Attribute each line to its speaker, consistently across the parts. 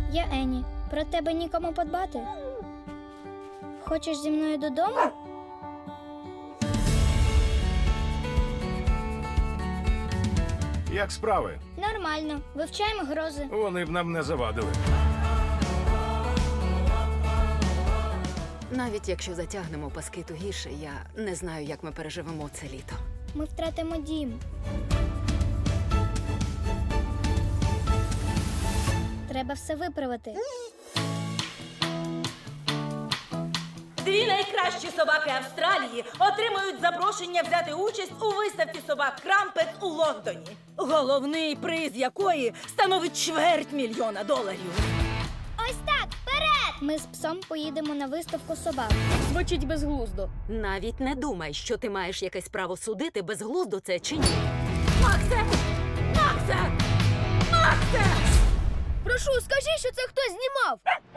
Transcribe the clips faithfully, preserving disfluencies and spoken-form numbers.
Speaker 1: Я Ені. Про тебе нікому подбати. Хочеш зі мною додому?
Speaker 2: Як справи?
Speaker 1: Нормально. Вивчаємо грози.
Speaker 2: Вони б нам не завадили.
Speaker 3: Навіть якщо затягнемо паски тугіше, я не знаю, як ми переживемо це літо.
Speaker 1: Ми втратимо дім. Треба все виправити.
Speaker 4: Дві найкращі собаки Австралії отримують запрошення взяти участь у виставці собак Крампет у Лондоні. Головний приз якої становить чверть мільйона доларів.
Speaker 1: Ось так, вперед! Ми з псом поїдемо на виставку собак.
Speaker 5: Звучить безглуздо.
Speaker 3: Навіть не думай, що ти маєш якесь право судити, безглуздо це чи ні.
Speaker 4: Максе! Максе! Максе!
Speaker 5: Прошу, скажи, що це хтось знімав.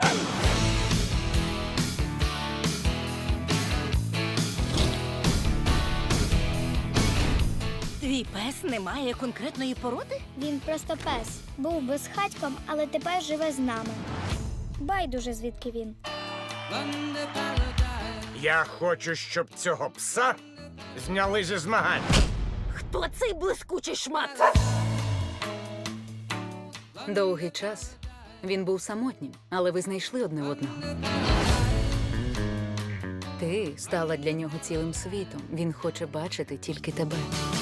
Speaker 4: Твій пес не має конкретної породи?
Speaker 1: Він просто пес. Був безхатьком, але тепер живе з нами. Байдуже, звідки він.
Speaker 6: Я хочу, щоб цього пса зняли зі змагань.
Speaker 4: Хто цей блискучий шмат?
Speaker 3: Довгий час він був самотнім, але ви знайшли одне одного. Ти стала для нього цілим світом. Він хоче бачити тільки тебе.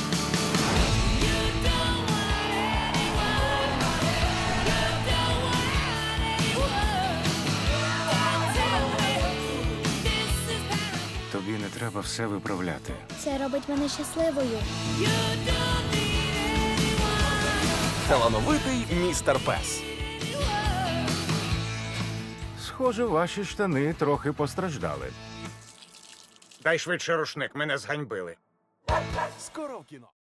Speaker 2: Тобі не треба все виправляти.
Speaker 1: Це робить мене щасливою.
Speaker 7: Талановитий містер Пес.
Speaker 2: Схоже, ваші штани трохи постраждали.
Speaker 6: Дай швидше рушник, мене зганьбили.
Speaker 7: Скоро в кіно.